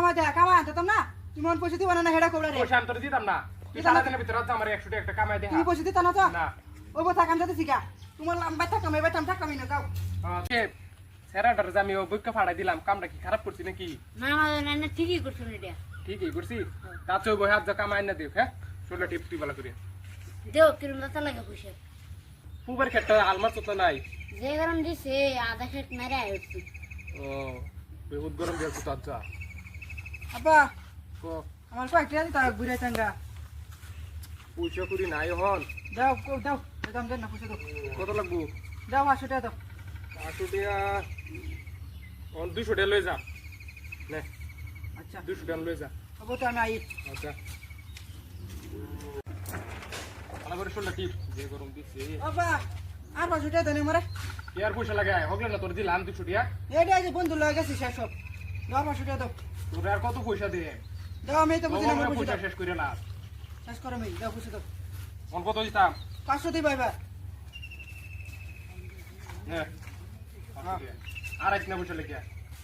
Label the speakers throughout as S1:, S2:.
S1: কামাই দে কামাই আনতাম না তুমি মন পয়সা দিবা না হেডা কোবড়া রে
S2: পয়সা আমি তোর দিতাম না তুই সারা দিনের ভিতরে রাত আমার 100 টাকা একটা কামাই দে
S1: তুমি পয়সা দিতা না তো
S2: না
S1: ও কথা কাম যাতে শিখা তোমার লম্বা থাকা মেবা টাম থাকা মিনা গাও
S2: সেরাটার যে আমি বইকে ফাড়াই দিলাম কামটা কি খারাপ করছি নাকি
S3: না আমাদের না ঠিকই করছেন এটা
S2: ঠিকই করছি তাতে বই হাত যা কামাই না দেখ হ্যাঁ শোলা টিপ তুই ভালো করে
S3: দেও কিরম দাতা লাগে পয়সা
S2: পুবার ক্ষেত্রে আলমার তো নাই
S3: যে গরম দিছে আধা খেট মেরে আইছি
S2: ও বহুত গরম দিয়েছে তো আচ্ছা
S1: আব্বা
S2: কো
S1: আমার কয়েকটা দিতা বুড়াই চাঙ্গা
S2: পয়সা করি নাই হন
S1: দাও দাও দাম দেন না পয়সা দাও
S2: কত লাগবো
S1: দাও 500 টাকা দাও
S2: 500 টাকা অন 200 টাকা লই যা নে
S1: আচ্ছা
S2: 200 টাকা লই যা
S1: আবো তো আমি আই
S2: আচ্ছা আলাবার শোলা টিপ যে গরম দিছে
S1: আব্বা আর 500 টাকা দেন আমারে
S2: কি আর পয়সা লাগে হগলে না তোর দিলাম 200 টাকা
S1: এইটা যে বন্ধু লয়ে গেছে শেষ সব দাও 500 টাকা দাও
S2: তোর আর কত পয়সা দে
S1: দাও আমি তো বুঝি না আমার
S2: পয়সা
S1: পয়সা
S2: শেষ করে না
S1: শেষ করো আমি দাও পয়সা দাও
S2: অন কত দিতাম
S1: 500 দিবা এবার
S2: নে আর এক না পয়সা লেগে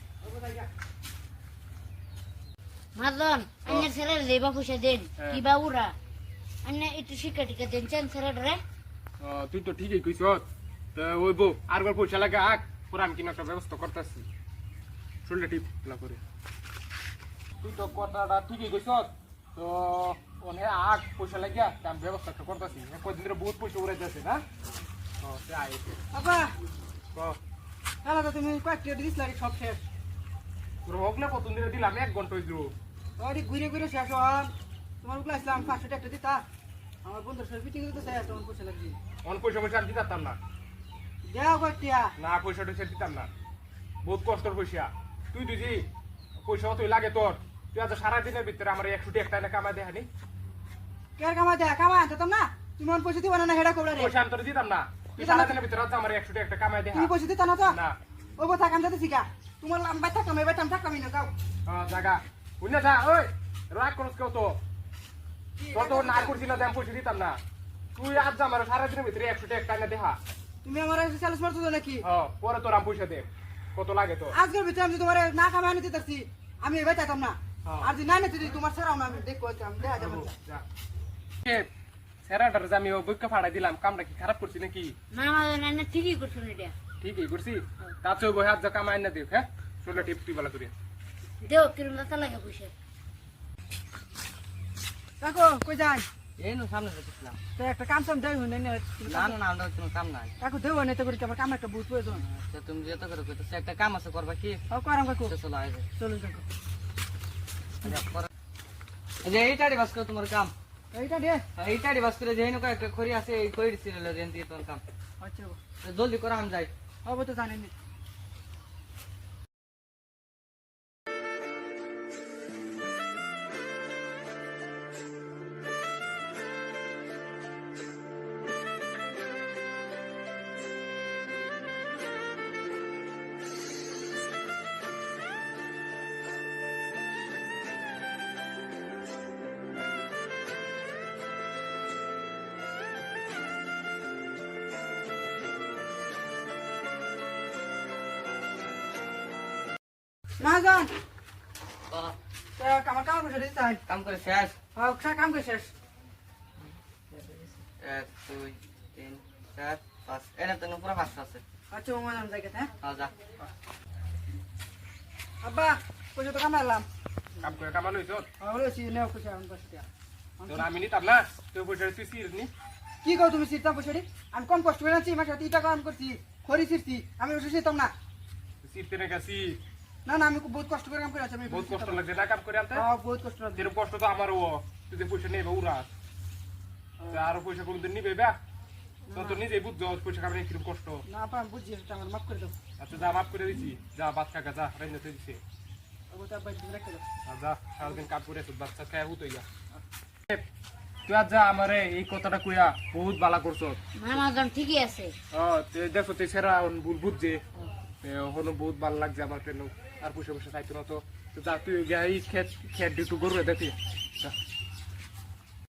S3: মাদন আন্না ছেলে লেবা পয়সা দেন কি বাউরা আন্না একটু শিক্ষা টিকা দেন চান ছেলে রে
S2: তুই তো ঠিকই কইছ তা ওই বউ আরবার পয়সা লাগে আক পুরো আমি কিনা একটা ব্যবস্থা করতেছি শোল্ডার টিপ না করে তুই তো কথাটা ঠিকই কইছ তো ওনে আক পয়সা লাগিয়া আমি ব্যবস্থা একটা করতেছি কয়দিন ধরে বহুত পয়সা উড়ে যাচ্ছে না সে আইছে
S1: আব্বা
S2: ক
S1: হ্যালো তো তুমি কয়েকটা দিস লাগে সব শেষ
S2: তোর হগলে কত দিনে দিলাম 1 ঘন্টা হইল
S1: ওই ঘুরে ঘুরে শেষ হন তোমার উপরে আসলাম 500 টাকা দিতা আমার বন্ধুর সাথে মিটিং করতে চাই তোমার পয়সা লাগবে
S2: অন পয়সা পয়সা আমি দিতাম না
S1: দাও কয়টা
S2: না পয়সা টয়সা দিতাম না বহুত কষ্টর পয়সা তুই তুই যে পয়সা তুই লাগে তোর তুই আজ সারাদিনের ভিতরে আমার 100 টাকা একটা কামাই দেখানি
S1: কে কামাই দে কামাই আনতাম না তুমি মন পয়সা দিবা না হেডা কোবড়া রে
S2: পয়সা আমি তোর দিতাম না তুই সারাদিনের ভিতরে আজ আমার 100 টাকা একটা কামাই দেখা
S1: তুমি পয়সা দিতা না তো
S2: না
S1: ও কথা কাম যাতে শিখা তোমার লম্বা থাকা মেবা টাম থাকা মিনা গাও
S2: জায়গা বুঝলে যা ওই রাগ করছ কেউ তো তোর তো না করছি না আমি পয়সা দিতাম না তুই আজ আমার সারাদিনের ভিতরে 100 টাকা একটা দেখা
S1: তুমি আমার সেলস মারছো নাকি
S2: পরে তোর আমি পয়সা দে কত লাগে তো
S1: আজকের ভিতরে আমি তোমার না কামাই আনতে দিতেছি আমি এবার চাইতাম না আর যে না নিতে তোমার ছাড়াও না আমি দেখো আমি দেখা যাবো
S2: সেরাটার যে আমি বইকে ফাড়াই দিলাম কামটা কি খারাপ করছি নাকি
S3: না আমাদের না ঠিকই করছেন এটা
S2: ঠিকই করছি তাতে বই হাত যা কামাই না দেখ হ্যাঁ শোলা টিপ তুই ভালো করে
S3: দেও কিরম দাতা লাগে পয়সা
S1: কাকো কই যাই
S4: এই নো সামনে যাচ্ছিলাম
S1: তো একটা কাম সাম দেই হইনি
S4: না না না আমরা কোনো কাম নাই
S1: কাকু দেও না তো করি আমার কাম একটা বহুত প্রয়োজন
S4: তো তুমি যেতে করে কইতেছ একটা কাম আছে করবা কি
S1: ও করাম কাকু
S4: চলো আইবে
S1: চলো কাকু
S4: যে এইটারি বাস করে তোমার কাম
S1: এইটা দে
S4: এইটারি বাস করে যেই নকা একটা খড়ি আছে এই খড়ি ছিল রেন দিয়ে তোমার কাম
S1: আচ্ছা
S4: তো জলদি করে আম যাই
S1: হবে তো জানেন মাহাজন আমার কাম করে দিতে চাই
S4: কাম করে শেষ
S1: কাম করে শেষ
S4: 1 2 3 4 5 এনে তো পুরো 5 আছে
S1: আচ্ছা মামাজন জায়গা হ্যাঁ
S4: হ্যাঁ যা
S1: আব্বা পয়সা তো কামাইলাম
S2: কাম করে কামানো হইছ
S1: হয়েছি নেও পয়সা আমি পয়সা
S2: তোর আমি নিতাম না তুই পয়সা তুই সির নি
S1: কি কও তুমি সিরতা পয়সা আমি কম কষ্ট করে আছি মাসে 3 টাকা আমি করছি খড়ি সিরছি আমি ওষুধ সিরতাম না
S2: সিরতে না গেছি
S1: না না আমি বহুত কষ্ট করে কাম করে আছি আমি
S2: বহুত কষ্ট লাগছে না কাম করে আনতে
S1: বহুত কষ্ট লাগছে
S2: যেরকম কষ্ট তো আমারও তুই যে পয়সা নেবে উড়া আরো পয়সা কোনদিন নিবে বা তো নিজেই বুঝছো পয়সা কামাই কিরকম কষ্ট
S1: না আপা আমি বুঝছি এটা আমার মাফ করে দাও
S2: আচ্ছা যা মাফ করে দিছি যা বাদ কাকা যা রাইনে তুই দিছে
S1: ওটা আব্বা তুমি রেখে দাও
S2: যা সারাদিন কাম করে তুই বাচ্চা খায় হুতো ইয়া তুই আজ যা আমারে এই কথাটা কইয়া বহুত বালা করছো
S3: আমাদের ঠিকই আছে
S2: তুই দেখো তুই সেরা ভুল বুঝছে হলো বহুত ভালো লাগছে আমার ট্রেন আর পয়সা পয়সা চাইতো না তো যা তুই খেত খেত ডিউটি করবে দেখি